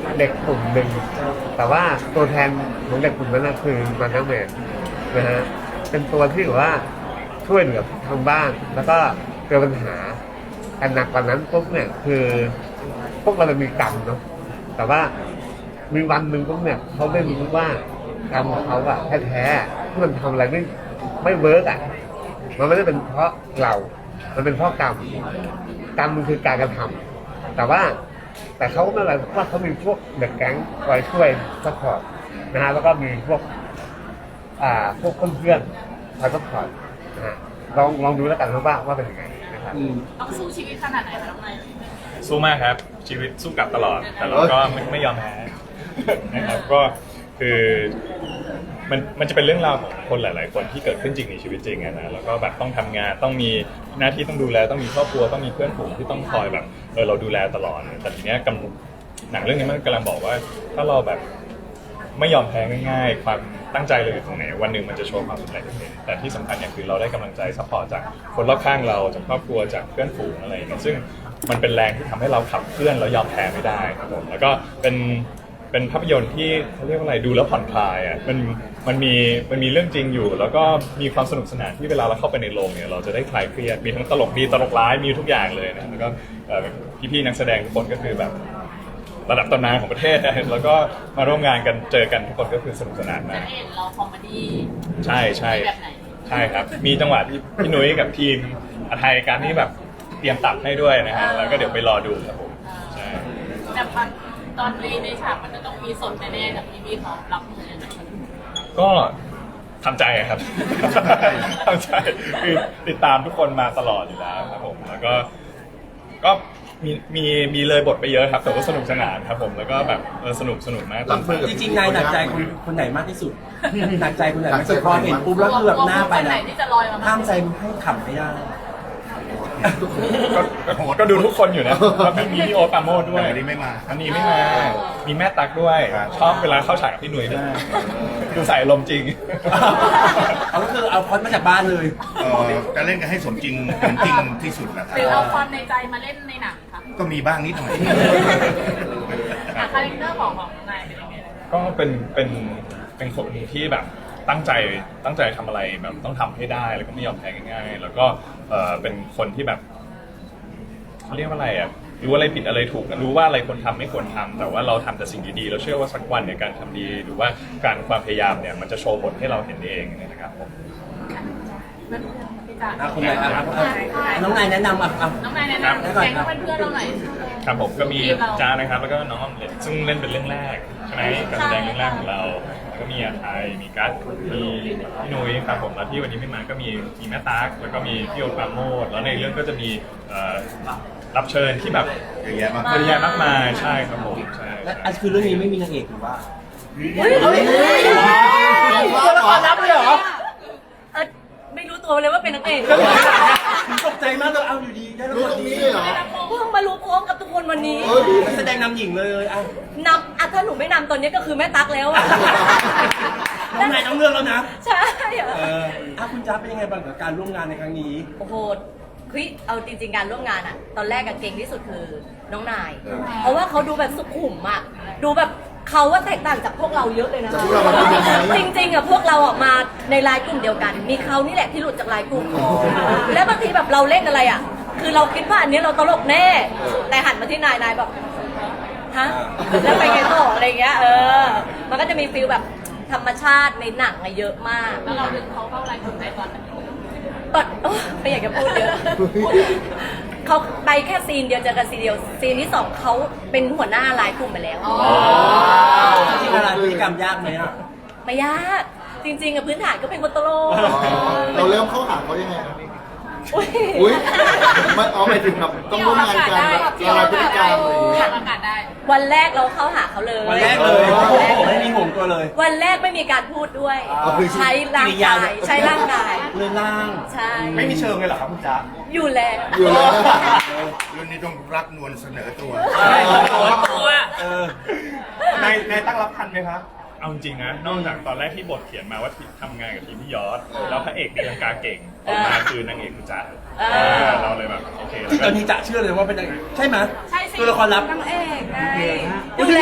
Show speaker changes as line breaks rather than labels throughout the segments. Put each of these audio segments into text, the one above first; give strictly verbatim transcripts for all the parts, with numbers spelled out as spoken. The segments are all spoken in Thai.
เด็กกลุ่มหนึ่งแต่ว่าตัวแทนของเด็กกลุ่มนั้นคือมันนักแมนนะฮะเป็นตัวที่แบบว่าช่วยเหลือทางบ้านแล้วก็เกิดปัญหาอันหนักกว่านั้นปุ๊บเนี่ยคือพวกเราจะมีกรรมเนาะแต่ว่ามีวันหนึ่งปุ๊บเนี่ยเขาได้รู้ว่ากรรมของเขาอะแท้ๆที่มันทำอะไรไม่ไม่เวิร์กอะมันไม่ได้เป็นเพราะเรา มันเป็นเพราะกรรมกรรมมันคือการกระทำแต่ว่าแต่เขาไม่อะไรเพราะว่าเขามีพวกเด็กแก๊งคอยช่วยซัพพอร์ตนะฮะแล้วก็มีพวกอ่าพวกเพื่อนๆคอยซัพพอร์ตนะฮะลองลองดูแล้วกันว่าว่าเป็นยังไงนะครับ
ต้องสู้ชีวิตขนาดไหนคะน้องนาย
สู้มากครับชีวิตสู้กลับตลอดแต่เราก็ไม่ไม่ยอมแพ้นะครับก็คือมันมันจะเป็นเรื่องราวของคนหลายๆคนที่เกิดขึ้นจริงในชีวิตจริงอะนะแล้วก็แบบต้องทำงานต้องมีหน้าที่ต้องดูแลต้องมีครอบครัวต้องมีเพื่อนฝูงที่ต้องคอยแบบเออเราดูแลตลอดแต่ทีเนี้ยกำหนังเรื่องนี้มันกำลังบอกว่าถ้าเราแบบไม่ยอมแพ้ง่ายๆความตั้งใจเราอยู่ตรงไหนวันหนึ่งมันจะโชว์ความสำเร็จเองแต่ที่สำคัญอย่างคือเราได้กำลังใจซัพพอร์ตจากคนรอบข้างเราจากครอบครัวจากเพื่อนฝูงอะไรอย่างเงี้ยซึ่งมันเป็นแรงที่ทำให้เราขับเคลื่อนแล้วยอมแพ้ไม่ได้ครับผมแล้วก็เป็นเป็นภาพยนตร์ที่เขาเรียกว่าอะไรดูแล้วผ่อนคลายอ่ะมันมันมีมันมีเรื่องจริงอยู่แล้วก็มีความสนุกสนานที่เวลาเราเข้าไปในโรงเนี่ยเราจะได้คลายเครียดมีทั้งตลกดีตลกร้ายมีทุกอย่างเลยนะแล้วก็พี่ๆนักแสดงทุกคนก็คือแบบระดับตำนานของประเทศนะแล้วก็มาร่วมงานกันเจอกันทุกคนก็คือสนุกสนานมาก
เห็นเราคอมเมดี้
ใช่ใช่ใช่ครับมีจังหวะที่พี่นุ้ยกับทีมอาไทยการที่แบบเตรียมตับให้ด้วยนะฮะแล้วก็เดี๋ยวไปรอดูครับผมใช่
แต่ตอนในในฉากมันจะต้องมีสดแน่ๆกับพี่พี่เขารับมือยังไง
ก็ทำใจครับทำใจคือติดตามทุกคนมาตลอดอยู่แล้วครับผมแล้วก็ก็มีมีมีเลยบทไปเยอะครับแต่ว่าสนุกสนานครับผมแล้วก็แบบเออสนุกสนุกมาก
จริงๆนายหนักใจคนคนไหนมากที่สุดหนักใจคนไหนมากที่สุดพอเห็นปุ๊บแล้วคือแบบหน้าไปนะห้ามใจให้ขำไม่ได้
ก็ดูทุกคนอยู่นะมีพี่โอ๊ตปราโมชด้วย
อันนี้ไม่มา
อันนี้ไม่มามีแม่ตั๊กด้วยชอบเวลาเข้าฉากกับพี่หนุ่ยด้วยดูใส่ลมจริง
เอาก็คือเอาพอดมาจากบ้านเลย
จะเล่นกันให้สมจริงเป็นจริงที่สุดแหละครับ
หรือเอาความในใจมาเล่นในหนังค่ะ
ก็มีบ้างนิดหน่อย
คาแรคเตอร์ของของนายเป็นยังไง
ก็เป็นเป็นเป็นคนที่แบบตั้งใจตั้งใจทำอะไรแบบต้องทำให้ได้แล้วก็ไม่ยอมแพ้ง่ายๆแล้วก็เออเป็นคนที่แบบเขาเรียกว่าอะไรอ่ะรู้อะไรผิดอะไรถูกรู้ว่าอะไรควรทำไม่ควรทำแต่ว่าเราทำแต่สิ่งดีๆเราเชื่อว่าสักวันเนี่ยการทำดีหรือว่าการความพยายามเนี่ยมันจะโชว์ผลให้เราเห็นเองนะครับผม
คนไหนครับน้องนายแนะนำอ่ะ
น้องนายแนะนำแก๊งเพื่อนๆเราหน่อย
ครับผมก็มีจ้านะครับแล้วก็น้องออมเล็ตซึ่งเล่นเป็นเรื่องแรกใช่ไหมการแสดงเรื่องแรกของเราแล้วก็มีอาไทยมีกัสมีพี่นุ้ยครับผมแล้วที่วันนี้ไม่มาก็มีมีแม่ตั๊กแล้วก็มีพี่โอ๊ตปราโมชแล้วในเรื่องก็จะมีรับเชิญที่แบบ
เยอะแยะมาก
เยอะแยะมากมายใช่ครับผมใช่
และอันคือเรื่องนี้ไม่มีนางเอกหรือว่า
เฮ้ยเฮ้ย
ตัวละครลับเลยเหรอ
ไม่รู้ตัวเลยว่าเป็นนางเอก
ตกใจมากเลยเอาอยู่ดีได้
รู้ตรงนี้เลยเหรอ
เพิ่งมารู้พร้อมกับทุกคนวันนี้
แสดงนำหญิงเลยอ่ะ
นำอ่ะถ้าหนูไม่นำตอนนี้ก็คือแม่ตั๊กแล้วอ่ะ
น้องนายต้องเลือกแล้วนะ
ใช่
เอออ่ะคุณจ๊าเป็นยังไงบ้างกับการร่วมงานในครั้งนี้
โอ้โหคือเอาจริงๆการร่วมงานอ่ะตอนแรกกับเก่งที่สุดคือน้องนายเพราะว่าเขาดูแบบสุขุมอ่ะดูแบบเขาว่าแตกต่างจากพวกเราเยอะเลยนะจริงๆอ่ะพวกเราออกมาในไลน์กลุ่มเดียวกันมีเขานี่แหละที่หลุดจากไลน์กลุ่มแล้วบางทีแบบเราเล่นอะไรอ่ะคือเราคิดว่าอันนี้เราตลกแน่แต่หันมาที่นายนายแบบฮะแล้วไปไงต่ออะไรเงี้ยเออมันก็จะมีฟีลแบบธรรมชาติในหนังเยอะมากแล้วเราดึงเขาเข้าไลน์กลุ่มได้ตอนไหนตอนไม่อยากจะพูดเยอะเขาไปแค่ซีนเดียวเจอกันซีนเดียวซีนที่สองเขาเป็นหัวหน้าไลน์กลุ่มไปแล้ว
จริงๆอะไรพฤติกรรมยากไหมอ่ะ
ไม่ยากจริงๆกับพื้นฐานก็เป็นคนตลก
เราเริ่มเข้าหาเขายังไง
อุ้ย
มันเอาไปถึงแบบต้องร่วมงานกันอะไรพฤติกรรม
วันแรกเราเข้าหาเขาเลย
วันแรกเลยไม่มีห่วงตัวเลย
วันแรกไม่มีการพูดด้วยใช้ร่างกายใช้ร่างกาย
เลื่อนล่าง
ใช่
ไม่มีเชิงเลยเหรอครับคุณจ๊ะ
อยู่แล้ว
อยู่แล้วเรื่องนี้ต้องรักนวลเสนอตัว
ตัวในในตั้งรับทันไหมครับ
เอาจริงนะนอกจากตอนแรกที่บทเขียนมาว่าทำงานกับทีมพี่ยอดแล้วพระเอกตีลังกาเก่งออกมาคือนางเอกคือจ๊ะเราเลยแบบโอเค
ที่ตอนนี้จ๊ะเชื่อเลยว่าเป็นนางเอกใช่ไหม
ใช่สิ
ตัวละครลับ
นางเอกไงอยู่แล้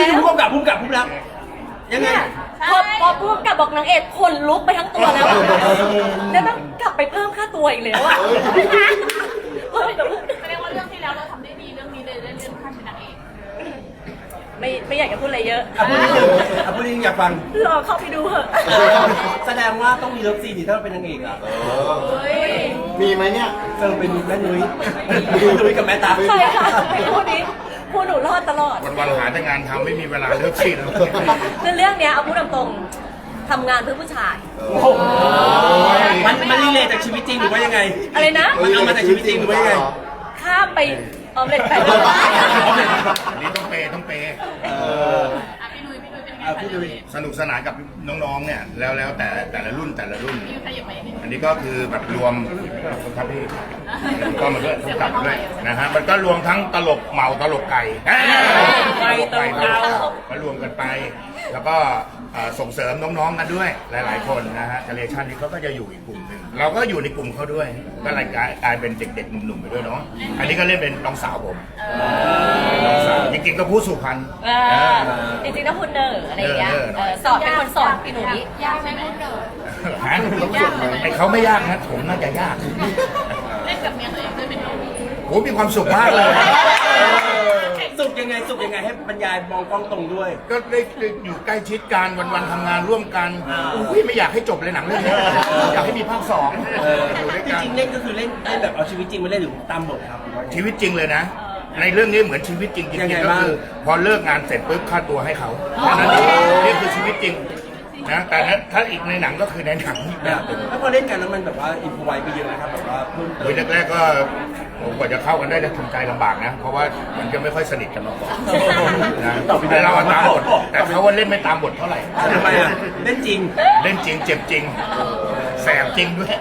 นี่คือผู้กำกับผู้กำกับผู้รับยังไง
เนี่ยพอพอพูดกับบอกนางเอกขนลุกไปทั้งตัวแล้วอะแล้วต้องกลับไปเพิ่มค่าตัวอีกแล้วอะเฮ้ย
แสดงว่าเรื่องที่แล้วเราทำได้ดีเรื่องนี้เลยได้เรื่องขั้นเป็นนางเอก
ไม่ไม่อยากจะพูดอะไรเยอะ
อ่ะพูดนิดนึงอ่ะพูดนิดนึงอยากฟัง
รอเข้าไปดูเถอะ
แสดงว่าต้องมีเลิฟซีนดิถ้าเราเป็นนางเอกอ่ะ
มีไหมเนี่ย
เออเป็นแม่นุ้ยแม่นุ้ยกับแม่ตา
ใช่ค่ะพูดนี้พูดหนูรอดตลอด
วันๆหาแต่งานทำไม่มีเวลาเลิกซีน
คือเรื่องเนี้ยเอาพูดตรงๆทำงานเพื่อผู้ชาย
มันมันรีเลทจากชีวิตจริงหรือว่ายังไง
อะไรนะ
มันเอามาจากชีวิตจริงหรือว่ายังไง
ข้ามไปออมเล็ตไป
อันนี้ต้องเปย์ต้องเปย์
เออ
อ่ะพี่นุ้ยพี่นุ้ยเป็นยังไง
อ่ะพี่นุ้ย
สนุกสนานกับน้องๆเนี่ยแล้วแล้วแต่แต่ละรุ่นแต่ละรุ่น
พี่ขยับไปนิดนึง
อันนี้ก็คือแบบรวมครับพี่ก็มาด้วยต้องกลับมาด้วยนะฮะมันก็รวมทั้งตลกเมาตลกไก่ตลกไก่ตลกมารวมกันไป แล้วก็เอ่อส่งเสริมน้องๆกันด้วยหลายๆคนนะฮะเจเนอเรชันนี้เขาก็จะอยู่อีกกลุ่มหนึ่งเราก็อยู่ในกลุ่มเขาด้วยก็เลยกลายกลายเป็นเด็กๆหนุ่มๆไปด้วยเนาะอันนี้ก็เล่นเป็นน้องสาวผมน้องสาวจริงๆก็พูดสุพรรณ
เออจริงๆถ้าคุณเนอร์อะไรอย่างเงี้ย
เนอร์
เออสอนเป็นคนสอนพี่หนุ่ย
ยากไหมพูดเดิม
ฮะไอเขาไม่ยากนะผมน่าจะยาก
เล่นกับเมียตัวเองด้วยเป็นน้อง
โอ้มีความสุขมากเลย
สุขยังไงสุขยังไงให้บรรยายมองกล้องตรงด้วย
ก็ได้อยู่ใกล้ชิดกันวันๆทำงานร่วมกันอุ้ยไม่อยากให้จบเลยหนังเรื่องนี้อยากให้มีภาคสองอยู่ด้วย
จ
กัน
ริงๆเล่นก็คือเล่นเล่นแบบเอาชีวิตจริงมาเล่นหรือตามบทครับ
ชีวิตจริงเลยนะ ในเรื่องนี้เหมือนชีวิตจริงจ
ยัง
ริ
ไง
งๆก็
บ้าง
คือพอเลิกงานเสร็จปุ๊บค่าตัวให้เขาแค่นั้นเองนี่คือชีวิตจริงนะแต่ถ้าอีกในหนังก็คือในหนังอีกแบบหนึ่ง
แล้วพอเล่นกันแล้วมันแบบว่าอินพไวไปเยอะนะครับแบบว่าเพิ่มเติ
โดย
ม
แรกๆก็ผมกว่าจะเข้ากันได้จะทำใจลำบากนะ เพราะว่ามันจะไม่ค่อยสนิทกันมาก่อนนะแต่เราอะตามบทแต่เขาว่าเล่นไม่ตามบทเท่าไหร่
ทำไมอ่ะเล่นจริง
เล่นจริงเจ็บจริงแสบจริงด้วย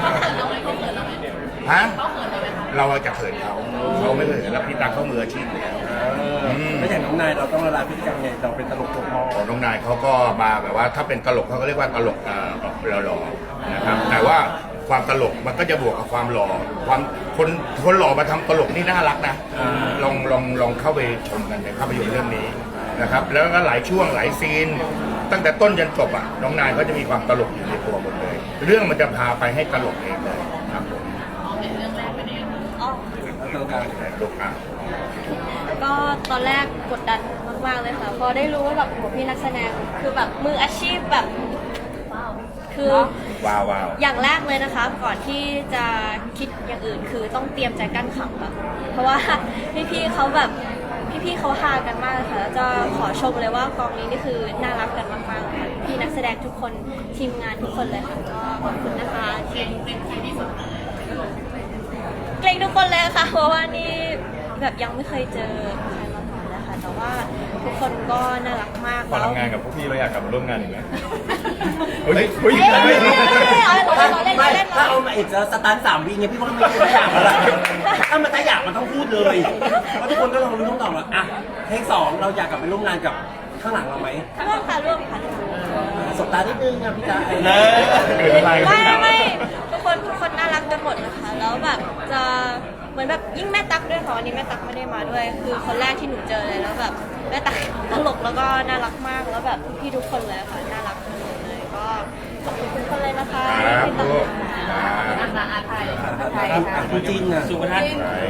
ฮะเราอะจะเขินเขาเขาไม่เคยเขินแล้วพี่ตาเขามืออาชีพอยู่แล้ว
ไม่อย่างน้องนายเราต้องละลายพฤติกรรมไงเราเป็นตลกตัวพ่อ
ของน้องนายเขาก็มาแบบว่าถ้าเป็นตลกเขาก็เรียกว่าตลกเอ่อแบบหล่อๆนะครับแต่ว่าความตลกมันก็จะบวกกับความหล่อความคนคนหล่อมาทำตลกนี่น่ารักนะลองลองลองเข้าไปชมกันในภาพยนตร์เรื่องนี้นะครับแล้วก็หลายช่วงหลายซีน ตั้งแต่ต้นจนจบอ่ะน้องนายเขาจะมีความตลกอยู่ในตัวหมดเลย เรื่องมันจะพาไปให้ตลกเองเลยครับผม
อ๋อ
ตลกกลาง
ตลกอ่ะ
ก็ตอนแรกกดดันมากๆเลยค่ะ พอได้รู้ว่าแบบโหพี่นักแสดงคือแบบมืออาชีพแบบคือ
ว้าวว้าว
อย่างแรกเลยนะคะ ก่อนที่จะคิดอย่างอื่นคือต้องเตรียมใจกั้นขำอะเพราะว่าพี่ๆเขาแบบพี่ๆเขาฮากันมากเลยค่ะแล้วจะขอชมเลยว่ากองนี้นี่คือน่ารักกันมากๆเลยค่ะพี่นักแสดงทุกคนทีมงานทุกคนเลยค่ะก็ขอบคุณนะคะที่เกรงทุกคนเลยค่ะเพราะว่านี่แบบยังไม่เคยเจอใครมาก่อนเลยค่ะแต่ว่าทุกคนก็น่ารักมาก
พอ
แล้ว
ทำงานกับพวกพี่เราอยากกลับมาร่วมงานอีกไหมเฮ้ยเฮ้ย
เอ้ยเอาเล่น
ถ้า
เอาเล่น
ไม่
เอาเล่น
ถ้าเอามาเอกจะสตันสามวิไงพี่ว่าไม่ไม่อยากแล้วล่ะถ้ามันถ้าอยากมันต้องพูดเลยเพราะทุกคนก็ลองรู้ต้องตอบว่าอ่ะเทคสองเราอยากกลับไปร่วมงานกับข้างหลังเราไหม
ร่วมค่ะร่วมค่ะ
สบตานิดนึงอ่ะพี่จ๋า
ไม่ไม่ไม่ทุกคนทุกคนน่ารักกันหมดนะคะแล้วแบบจะเหมือนแบบยิ่งแม่ตั๊กด้วยค่ะวันนี้แม่ตั๊กไม่ได้มาด้วย คือคนแรกที่หนูเจอเลยแล้วแบบแม่ตั๊กตลกแล้วก็น่ารักมากแล้วแบบพี่ทุกคนเลยค่ะน่ารักกันหมดเลยก็ขอบคุณทุกคนเลยนะคะ
ครับ
ที่
ลูก
อาสาอาไทยไทย
คุณจริงอ่ะสุภาพ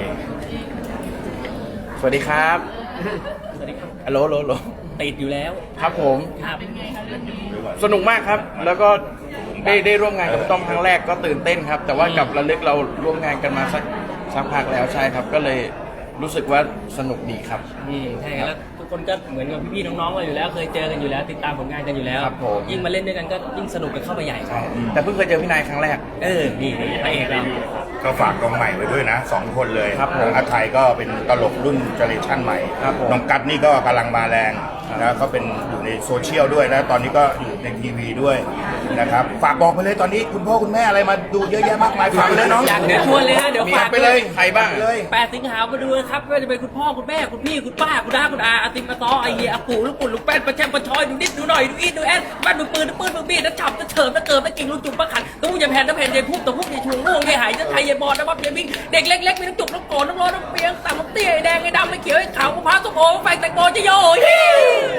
สวัสดีครับฮัลโหลโหลโหล
ติดอยู่แล้ว
ครับผม
เป็นไงคะเรื่องนี้
สนุกมากครับ แล้วก็ได้ได้ร่วมงานกับต้อมครั้งแรกก็ตื่นเต้นครับ แต่ว่ากับระลึกเราร่วมงานกันมาสักสักพักแล้วใช่ครับ ก็เลยรู้สึกว่าสนุกดีครับ
อืมใช่ครับแล้วทุกคนก็เหมือนกับพี่ๆน้องๆกันอยู่แล้ว เคยเจอกันอยู่แล้ว ติดตามผลงานกันอยู่แล้ว
ครับผม
ยิ่งมาเล่นด้วยกันก็ยิ่งสนุกกันเข้าไปใหญ่
ใช่แต่เพิ่งเคยเจอพี่นายครั้งแรก
เออนี่นี่พระเอกเรา
ก็ฝากกองใหม่ไว้ด้วยนะสองคนเลย
ครับผม
อาไทยก็เป็นตลกรุ่นเจเนอเรชั่นใหม่
ครับผม
น้องกัดนี่ก็กำลังมาแรงนะเขาเป็นอยู่ในโซเชียลด้วยนะตอนนี้ก็อยู่ในทีวีด้วยนะครับฝากบอกไปเลยตอนนี้คุณพ่อคุณแม่อะไรมาดูเยอะแยะมากมายฝากไปเลยน้อง
อยากเดี๋ยวชวนเลยฮะเดี๋ยว
มี
ฝาก
ไปเลย
ใครบ้าง
เลย
แปดสิงหามาดูนะครับไม่ว่าจะเป็นคุณพ่อคุณแม่คุณพี่คุณป้าคุณน้าคุณอาอาติมอาตอไอเหี้ยอาปู่ลูกปุ่นลูกแป้นประแชมประชอยดูนิดดูหน่อยดูอีดดูแอดบ้านดูปืนดูปืนดูบีดนะจับจะเฉิบนะเกิดนะกิ่งลูกจุ่มประขันต้องอย่าแผ่นนะแผ่นอย่าพุ่งแต่พุ่งอย่าชุงล่วงอย่าหายจะไทยอย่าบอดนะบับอย่าวิ่งเด็กเล็กๆมีน้ำจุกน้ำโกรธน้ำร้อนน้ำเปียงต่ำน้ำเตี้ยไอ้แดงไอ้ดำไอ้เขียวไอ้ขาวมะพร้าวส้มโอแฟงแตงโมจะโย่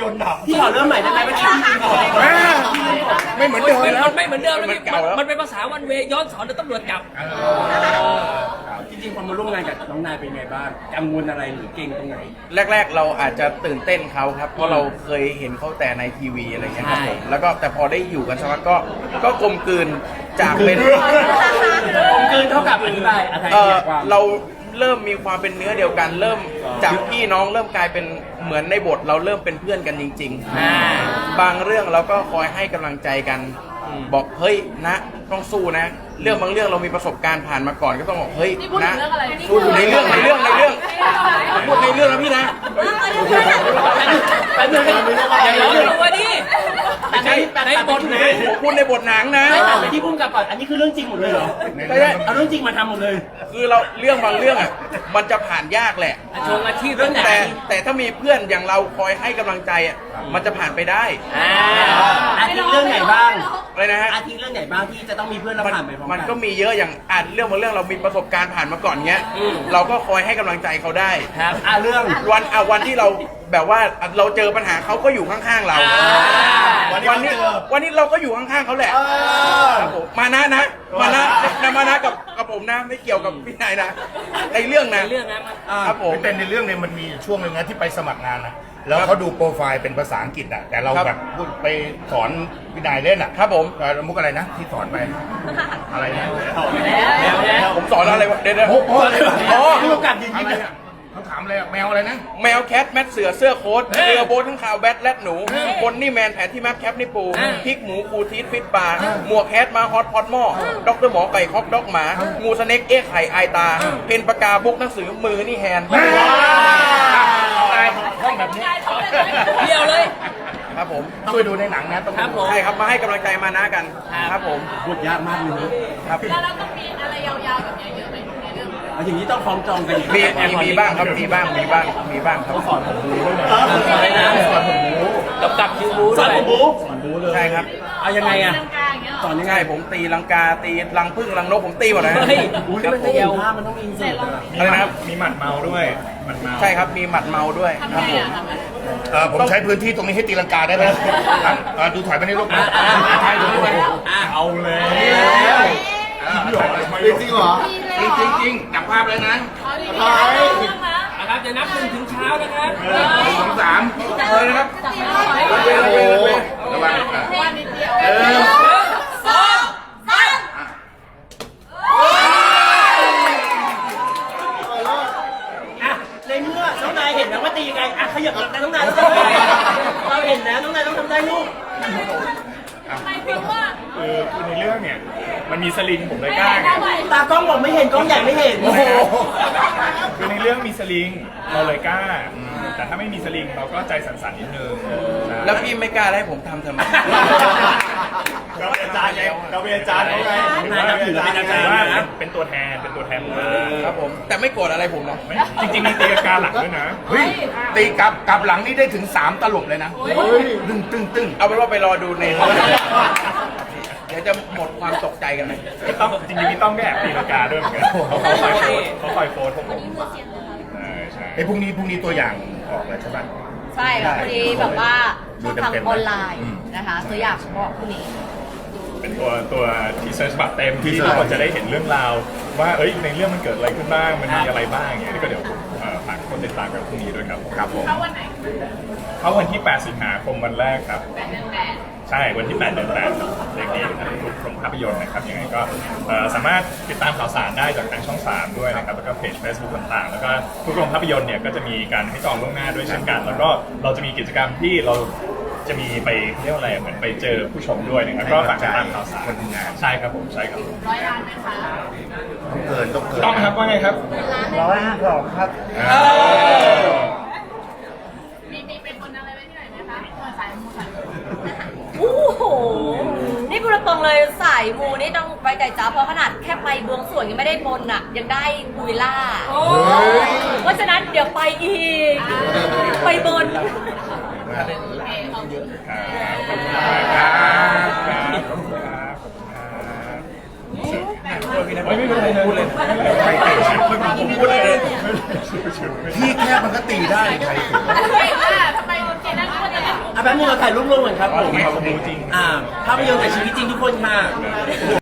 นต์ดับ
พี่ขอเริ่มใหม่ได้ไหมเมื่อกี้พี่ลืมบอก
แม่ไม่เหมือนเดิมแล้ว
มันไม่เหมือนเดิมแล้ว
มันเก่าแล้ว
มันเป็นภาษาวันเวย้อนสอนเดี๋ยวตำรวจจับ
จริงๆพอมาร่วมงานกับน้องนายเป็นไงบ้างกังวลอะไรหรือเก่งตรงไหน
แรก ๆ เราอาจจะตื่นเต้นเขาครับ เพราะเราเคยเห็นเขาแต่ในทีวีอะไรเงี้ยครับ
ใช่
ผมแล้วก็แต่พอได้อยู่กันสักพักก็ก็กลมกลืนจากเป็น
ผมเกินเท่ากับอธิบายอะไร
เออ
ความ
เราเริ่มมีความเป็นเนื้อเดียวกัน เริ่มจากพี่น้องเริ่มกลายเป็นเหมือนในบท เราเริ่มเป็นเพื่อนกันจริง ๆ บางเรื่องเราก็คอยให้กำลังใจกัน บอกเฮ้ยนะต้องสู้นะ เรื่องบางเรื่องเรามีประสบการณ์ผ่านมาก่อนก็ต้องบอกเฮ้ย
นี่พูดถึ
นะ
งเรื่องอะไร
พูดอยู่ในเรื่องในเรื่องในเรื่องพูดในเรื่องนะพี่นะ
แป๊บนึง
อย่าร้อนตัวดิ
แต่ในในบทนะ
ผมพูดในบทหนังนะ
ไม่ตัดไปที่พุ่มกับก่อนอันนี้คือเรื่องจริงหมดเลยเหรอ
ใช่ใช่
เอาเรื่องจริงมาทำหมดเลย
คือเราเรื่องบางเรื่องอ่ะมันจะผ่านยากแหละ
ชงอาชีพเรื่องไหน
แต่แต่ถ้ามีเพื่อนอย่างเราคอยให้กำลังใจอ่ะมันจะผ่านไปได้
อ่าอาทิเรื่องไหนบ้าง
อะไรนะฮะ
อาทิเรื่องไหนบ้างที่จะต้องมีเพื่อนเรา
มัน
ผ่านไปพร้อม
มัน
กัน
ก็มีเยอะอย่างอ่านเรื่องบางเรื่องเรามีประสบการณ์ผ่านมาก่อนเงี้ย
อืม
เราก็คอยให้กำลังใจเขาได้
ครับอ่าเรื่อง
วันอ่ะวันที่เราแบบว่าเราเจอปัญหาเขาก็อยู่ข้างๆเรา
วันนี้
วันนี้วันนี้เราก็อยู่ข้างๆเขาแหละครับผมมานะนะมานะนะมานะกับกับผมนะไม่เกี่ยวกับพี่นายนะในเรื่องนะ
เรื่องนะมัน
ครับผม
พี่เต้นในเรื่องเนี่ยมันมีช่วงหนึ่งนะที่ไปสมัครงานนะแล้วเขาดูโปรไฟล์เป็นภาษาอังกฤษอ่ะแต่เรา
ครับ
แบบพูดไปสอนพี่นายเล่นอ่ะ
ครับผม
เอ่อมุกอะไรนะที่สอนไปอะไรนะ
ผมสอนอะไรวะเดี๋ยวนะ
มุกอะไรวะ
อ๋อ
ผู้กำกับยืน
อะ
ยิ้ม
ไร
เลย
อะเขาถามอะไรอะแมวอะไรนะ
แมวแคทแมทเสือเสื้อโค้ทเรือโบ๊ททั้งข่าวแบทแลดหนูคนนี่แมนแผนที่แมปแคปนี่ปูพริกหมูคูทีทฟิตปลาหมวกแคทมาฮอตพอตหม้อด็อกเตอร์หมอไก่คอกด็อกหมา งูสเน็กเอ๊ะไข่ไอตา เพนปากกาบุกหนังสือมือนี่แฮนด์
ห้องแบบนี้
เดียวเลย
ครับผม
ช่วยดูในหนังนะต้อง
ครับ
ดู
ผม
ใช่ครับมาให้กำลังใจมานะกันครับผม
บทยากมากเลยนะครับ
แล้วเราต้องมีอะไรยาวๆแบบนี้เยอะไหมในเรื่อง
เอาอย่างนี้ต้องฟ้องจองกันอีก
มีมีมีบ้างครับมีบ้างมีบ้างมีบ้างครับ
สอนผมบูด้วยนะอะไรนะสอนผมบู
กับกับคิวบู
สอน
ด้วย
ผมบูสอนบูเลย
ใช่ครับ
เอายังไงอะ
กลางอย่างเงี้ยเหรอ
สอนยังไง
ใช่ผมตีลังกาตีลังพึ่งลังนกผมตีหมดนะ
เฮ้ย
อุ้ย
ครับ
มัน
ผ
จะ
ม
เห็นภาพมันต้องมีอินเสิร์ตอะ
อะไรนะครับ
มีหมัดเมาด้วยหมัดเมา
ใช่ครับมีหมัดเมาด้วยครับผม
เออผมใช้พื้นที่ตรงนี้ให้ตีลังกาได้ไหมครับเออดูถอยไปในรูปนะใช่ดูด้วย
เอาเลย
จริงๆเหรอ
จริงจริงจริงจับภาพเลยนะ
ใช่
นะครับจะนับหนึ่งถึงเช้านะครับ
สองสาม
เลยนะครับ
โอ้โหระวังอ่ะเออ
สองสาม
อ่ะในเมื่อน้องนายเห็นแล้วว่าตียังไงอ่ะขยับหลังกันน้องนายต้องทำได้เราเห็นแล้วน้องนายต้องทำได้ลูก
คือคือในเรื่องเนี่ยมันมีสลิงผมเลยกล้าไง
ตากล้องบอกไม่เห็นกล้องใหญ่ไม่เห็น
โอ้โห
คือในเรื่องมีสลิงเราเลยกล้า แต่ถ้าไม่มีสลิงเราก็ใจสั่นๆนิดนึงใช่
แล้วพี่ไม่กล้าให้ผมทำทำไม
เราเป็นอาจารย์ไงเราเป็นอาจารย์เขาไง
นายนับถือเป็นอาจารย์
ว่า
นะ
เป็นตัวแทนเป็นตัวแทนมา
ครับผมแต่ไม่โกรธอะไรผมนะ
ไม่จริงๆมีตีลังกาหลังด้วยนะ
เฮ้ยตีกลับกลับหลังนี่ได้ถึงสามตลบเลยนะตึ้งตึ้งตึ้ง
เอาเป็นว่าไปรอดูในเดี๋ยวจะหมดความตกใจกันเลย
พี่ต้องจริงๆพี่ต้องแอบตีลังกาด้วยเหมือนกันเขาคอยโค้ดเขาคอยโค้ดพวกผมใช่ใช่
ไอ้พรุ่งนี้พรุ่งนี้ตัวอย่างออกแล้วใช่ไหม
ใช่ค่ะพอดีแบบว่าช่องทาง
ดูเต็มๆ
ออนไลน์
อืม
นะคะตัวอย่างบอกพรุ่งนี้
เป็นตัวตัวทีเซอร์ฉบับเต็มที่ทุกคนจะได้เห็นเรื่องราว ว่าเอ้ยในเรื่องมันเกิดอะไรขึ้นบ้างมันมีอะไรบ้างอย่างเงี้ยก็เดี๋ยวเอ่อฝากคนติดตามกันพรุ่งนี้ด้วยครับครับผม
เข้าวันไหน
เข้าวันที่แปดสิงหาคมวันแรกครับ
แปดเดือนแปด
ใช่วันที่แปดเดือนแปดเด็กนี้ทั้งทุกโรงภาพยนตร์นะครับยังไงก็เอ่อสามารถติดตามข่าวสารได้จากทางช่องสามด้วยนะครับแล้วก็เพจ Facebook ต่างๆ แล้วก็ทุกโรงภาพยนตร์เนี่ยก็จะมีการให้จองล่วงหน้าด้วยเช่นกัน แล้วก็เราจะมีกิจกรรมที่เราจะมีไปเรียกว่าอะไรเหมือนไปเจอผู้ชมด้วยนะครับก็ฝากติดตามข่าวสาร
คนทำงาน
ใช่ครับผมใช่ครับ
ร้อยล้านไหมคะ
ต้องเกินต้องเกิน
ต้องครับว่าไงครับ
ร้อยห้าสองครับ
มีมีเป็นคนอะไรไว้ที่ไหนไหมคะเออสายมูสายมู
โอ้โห นี่พูดตรงๆเลยสายมูนี่ต้องไว้ใจจ้าเพราะขนาดแค่ไปบวงสรวงยังไม่ได้บนอ่ะ ยังได้พูวิลล่าเพราะฉะนั้นเดี๋ยวไปอีก ไปบน
ไม่ไม่เป็นไรพูดเลย
พี่แค่มันก็ตีได้ใครถึง
เฮ้ยว่าทำไมเจนนั่นก็จะเล่น
แป๊บนึงเราถ่ายรูปร่วมกันครับผม
ขอบคุณจริง
อ่าภาพยนตร์จากชีวิตจริงทุกคนค่ะ